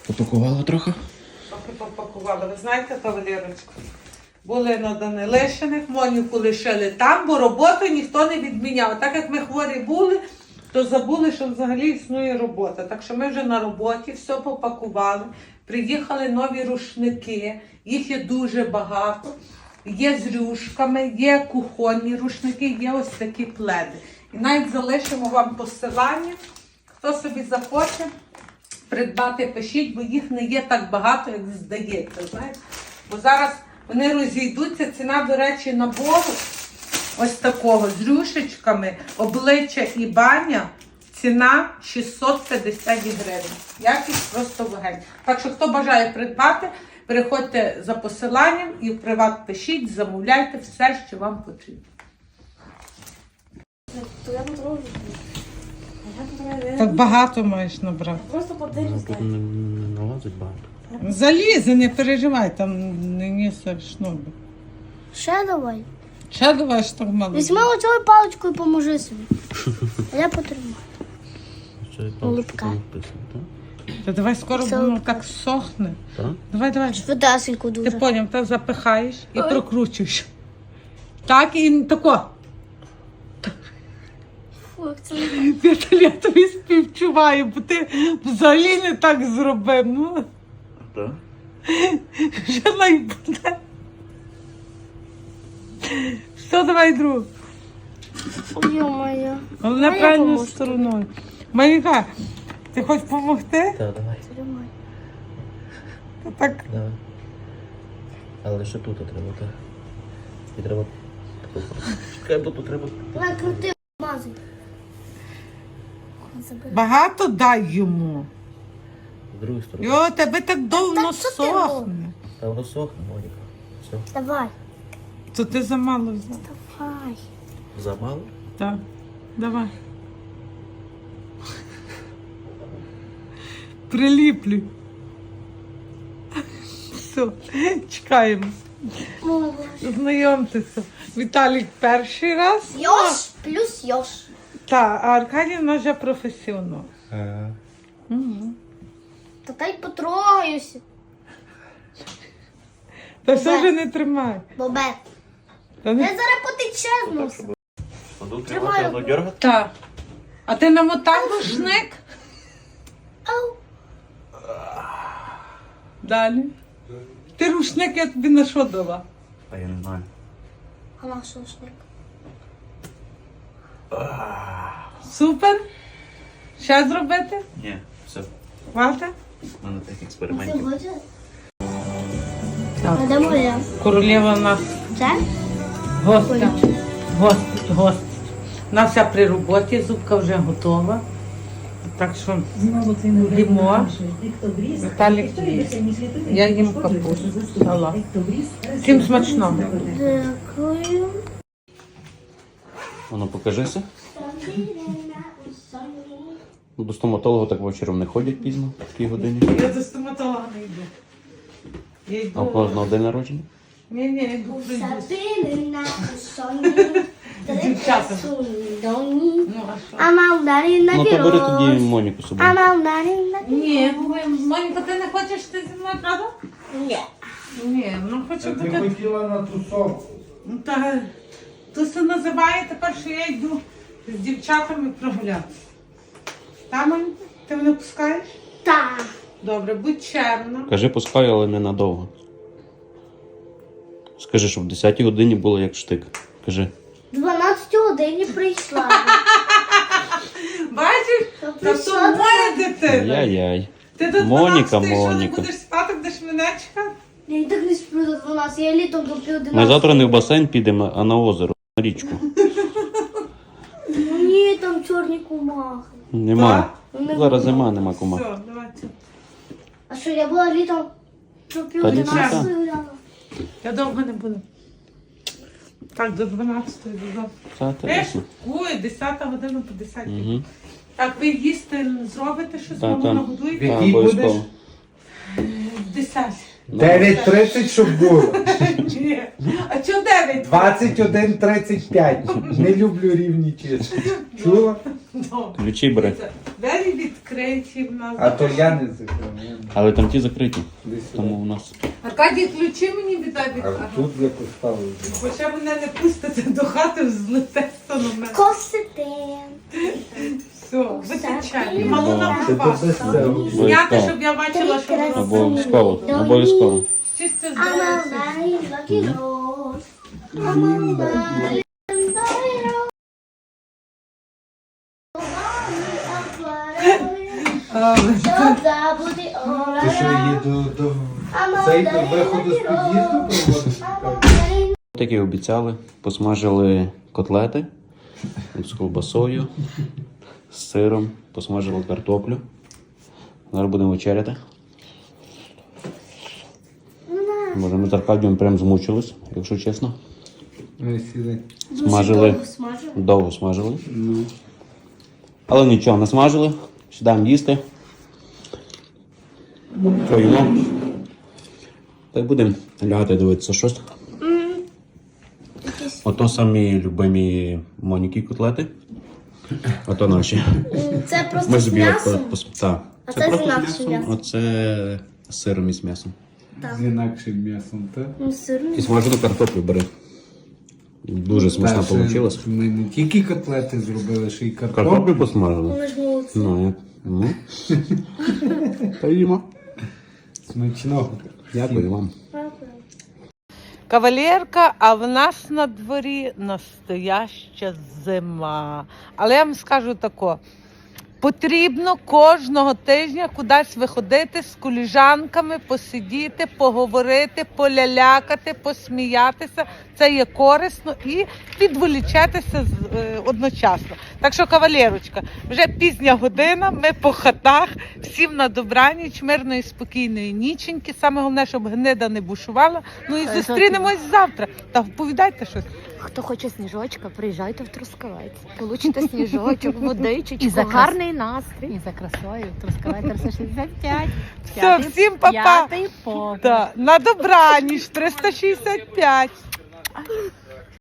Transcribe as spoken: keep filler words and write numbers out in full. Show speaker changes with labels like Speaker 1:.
Speaker 1: Попакувала трохи?
Speaker 2: Трохи попакувала. Ви знаєте, кавалерочку? Були на Данилишиних, Моніку лишили там, бо роботу ніхто не відміняв. Так як ми хворі були, то забули, що взагалі існує робота. Так що ми вже на роботі, все попакували. Приїхали нові рушники, їх є дуже багато. Є з рюшками, є кухонні рушники, є ось такі пледи. І навіть залишимо вам посилання. Хто собі захоче придбати, пишіть, бо їх не є так багато, як здається. Знаєте? Бо зараз вони розійдуться. Ціна, до речі, набору ось такого з рюшечками, обличчя і баня. Ціна шістсот п'ятдесят гривень. Якість просто вогонь. Так що, хто бажає придбати, переходьте за посиланням і в приват пишіть, замовляйте все, що вам потрібно. Так багато маєш набрати.
Speaker 3: Просто подивись.
Speaker 1: Тут не, не налазить багато.
Speaker 2: Залізе, не переживай, там не несе шнур.
Speaker 3: Ще давай.
Speaker 2: Ще давай ж так мало.
Speaker 3: Візьми оцю паличку і поможи собі. А я потримаю.
Speaker 1: Що я
Speaker 3: Голубка.
Speaker 1: там написано, так?
Speaker 2: Та давай скоро
Speaker 3: Все.
Speaker 2: воно так сохне.
Speaker 1: Так?
Speaker 2: Давай, давай.
Speaker 3: Швидесенько
Speaker 2: Ти
Speaker 3: дуже.
Speaker 2: поняв, так запихаєш і
Speaker 3: Ой.
Speaker 2: прокручуєш. Так і тако.
Speaker 3: Фу, як це
Speaker 2: Віталій, я тобі співчуваю, бо ти взагалі не так зробив. Ну,
Speaker 1: Так?
Speaker 2: що найбуде. Все, давай другу.
Speaker 3: Ой, моя.
Speaker 2: Головне
Speaker 3: А я
Speaker 2: правильною
Speaker 3: поможу.
Speaker 2: стороною. Маріка, ти хочеш допомогти?
Speaker 1: Так, давай.
Speaker 3: Тримай.
Speaker 2: Так,
Speaker 1: Давай. Але ще тут треба, так. І треба... Чекай, бо тут треба...
Speaker 3: Давай крути, мазай. Забери.
Speaker 2: багато дай йому.
Speaker 1: З другої сторони.
Speaker 2: Йо, тебе так довго
Speaker 3: Так що ти
Speaker 2: сохне.
Speaker 1: Та воно сохне, Моніка. Все.
Speaker 3: Давай.
Speaker 2: То ти замало взяв.
Speaker 3: Давай.
Speaker 1: Замало?
Speaker 2: Так, давай. Приліплю. Все, чекаємо.
Speaker 3: Мова.
Speaker 2: Знайомтеся. Віталік перший раз.
Speaker 3: Йош плюс йош.
Speaker 2: Так, а Аркадій в нас вже професіонал.
Speaker 1: Ага.
Speaker 2: Угу.
Speaker 3: Та та й потрогаюся.
Speaker 2: Та все вже не тримай.
Speaker 3: Бобе.
Speaker 2: Та
Speaker 3: Я
Speaker 2: не...
Speaker 3: зараз потече з носа.
Speaker 1: Тут
Speaker 3: Тримаю.
Speaker 1: треба воно дергати?
Speaker 2: Так. А ти намотав рушник?
Speaker 3: Ау.
Speaker 2: Далі. Ти рушник я тобі на що дала?
Speaker 1: А я не знаю.
Speaker 3: А наш рушник.
Speaker 2: Супер? Ще зробити?
Speaker 1: Ні, все.
Speaker 2: Хвата?
Speaker 1: У мене тих
Speaker 3: Ти
Speaker 1: експериментів.
Speaker 3: хочеш?
Speaker 2: Так.
Speaker 3: А де моя?
Speaker 2: Королева у нас
Speaker 3: Це?
Speaker 2: гостя. Гость, гость. У нас вся при роботі, зубка вже готова. Так що їмо. Віталік їсть. Я їм капусту. Салат. Всім смачного.
Speaker 3: Дякую.
Speaker 1: Воно покажися. Ну, до стоматолога так вечором не ходять пізно, в такій годині.
Speaker 2: Я до стоматолога не йду. Я
Speaker 1: А
Speaker 2: йду.
Speaker 1: можна на день народження?
Speaker 2: Ні, ні, йду прийду.
Speaker 3: Сабина соні.
Speaker 2: Дівчата.
Speaker 3: Доні.
Speaker 2: Ну, а що?
Speaker 3: А мандарин на
Speaker 1: Ну то бери тоді
Speaker 3: вірос.
Speaker 1: Моніку з собою.
Speaker 3: А мандарин на
Speaker 2: Ні, Монька, ти не хочеш ти зі мною, правда?
Speaker 3: Ні.
Speaker 2: Ні, ну хочу
Speaker 4: Ти
Speaker 2: таке.
Speaker 4: хотіла на тусовку.
Speaker 2: Ну, Та то це називає тепер, що я йду з дівчатами прогулятися. Та, Монька, ти мене пускаєш?
Speaker 3: Так.
Speaker 2: Добре, будь чемна.
Speaker 1: Кажи, пускай, але не надовго. Скажи, що в десятій годині було як штик. Кажи.
Speaker 3: дванадцятій годині прийшла.
Speaker 2: Бачиш?
Speaker 3: Та
Speaker 2: Та то
Speaker 3: прийшла
Speaker 2: моя дитина.
Speaker 1: Яй-яй.
Speaker 2: Ти до
Speaker 1: Моніка,
Speaker 2: дванадцятої що не
Speaker 1: Моніка.
Speaker 2: будеш спати, будеш мене чекати?
Speaker 3: Я і так не сплю до дванадцяти, я літом до пів
Speaker 1: Ми
Speaker 3: одинадцяти.
Speaker 1: завтра не в басейн підемо, а на озеро, на річку.
Speaker 3: Ну ні, там чорні комахи.
Speaker 1: Нема.
Speaker 3: Вони
Speaker 1: Зараз
Speaker 3: будуть.
Speaker 1: зима, нема кума.
Speaker 2: Все, давайте.
Speaker 3: А що, я була літом до пів
Speaker 1: Та ні,
Speaker 3: одинадцяти гуляла?
Speaker 2: Я довго не буду. Так, до дванадцятої додому.
Speaker 1: Це
Speaker 2: Я
Speaker 1: теж.
Speaker 2: шукую, десята година по десятій.
Speaker 1: Угу.
Speaker 2: Так, ви їсти зробите щось,
Speaker 1: Та,
Speaker 2: маму
Speaker 1: та.
Speaker 2: нагодуєте?
Speaker 4: Який
Speaker 1: обов'язково.
Speaker 4: будеш?
Speaker 2: В десятій.
Speaker 4: дев'ять тридцять, щоб було.
Speaker 2: Ні. А чого дев'ять?
Speaker 4: двадцять один тридцять п'ять. Не люблю рівні числа. Чула?
Speaker 2: Добре.
Speaker 1: Ключі бери.
Speaker 2: Двері відкриті в нас.
Speaker 4: А то я не закриваю.
Speaker 1: Але там ті закриті.
Speaker 4: Десь
Speaker 1: Тому
Speaker 4: сюди.
Speaker 1: у нас.
Speaker 2: Аркадій, ключі мені віддай від
Speaker 4: А
Speaker 2: ага.
Speaker 4: тут я поставив.
Speaker 2: Бо ще мене не пустите до хати, взлете на
Speaker 3: Косити.
Speaker 2: Все, виключай. Малу
Speaker 1: Це
Speaker 2: нам
Speaker 4: Це то
Speaker 2: пасу.
Speaker 4: без цього.
Speaker 2: Зняти, щоб я бачила, що воно
Speaker 1: Обов'язково. Обов'язково.
Speaker 2: чисто
Speaker 3: I'm
Speaker 2: здається.
Speaker 3: a very lucky rose. I'm a very lucky rose. Щоб забути all
Speaker 4: Ти що
Speaker 3: I
Speaker 4: її до, до
Speaker 3: I'm
Speaker 4: цей
Speaker 3: a
Speaker 4: до
Speaker 3: very
Speaker 4: виходу з
Speaker 3: lucky
Speaker 4: під'їзду
Speaker 3: rose.
Speaker 4: проводиш?
Speaker 3: I'm a very
Speaker 1: Так і обіцяли, посмажили котлети з ковбасою, з сиром, посмажили картоплю. Зараз будемо вечеряти. Може, ми з Аркадієм прям змучились, якщо чесно.
Speaker 4: Ой, сідай.
Speaker 1: Смажили,
Speaker 3: довго смажили.
Speaker 1: довго смажили.
Speaker 4: Ну.
Speaker 1: Але нічого, не смажили. Сідаємо їсти. Що їмо? Та й будемо лягати дивитися щось. Ото самі любимі Моніки котлети. Ото наші.
Speaker 3: Це просто
Speaker 1: Ми
Speaker 3: з
Speaker 1: собі от,
Speaker 3: м'ясом.
Speaker 1: пос- та.
Speaker 3: А це з
Speaker 1: просто
Speaker 3: інакшим м'ясом.
Speaker 1: Оце з сиром і з м'ясом.
Speaker 4: З інакшим м'ясом, так?
Speaker 3: Ну, сирний.
Speaker 1: І смажену картоплю бери. Дуже смачно
Speaker 4: Та, ще
Speaker 1: вийшло.
Speaker 4: Ми не тільки котлети зробили, ще й картоплю.
Speaker 1: Картоплю посмажили.
Speaker 3: Ми ж молодці.
Speaker 1: Ну, як? Ну. Та їмо.
Speaker 4: Смачного.
Speaker 1: Дякую вам.
Speaker 2: Кавалерка, а в нас на дворі настояща зима. Але я вам скажу тако. Потрібно кожного тижня кудись виходити з коліжанками, посидіти, поговорити, полялякати, посміятися. Це є корисно і відволічатися з- е, одночасно. Так що, кавалерочка, вже пізня година, ми по хатах, всім на добраніч, мирної, спокійної ніченьки. Саме головне, щоб гнида не бушувала. Ну і зустрінемось завтра. Та вповідайте щось.
Speaker 5: Хто хоче сніжочка, приїжджайте в Трускавець. Получите сніжочок,
Speaker 6: І
Speaker 5: водичечку,
Speaker 6: за крас-
Speaker 5: гарний настрій.
Speaker 6: І за красою Трускавець триста шістдесят п'ять.
Speaker 2: Все, всім па-па.
Speaker 6: П'ятий поверх.
Speaker 2: Да, на добраніч, триста шістдесят п'ять.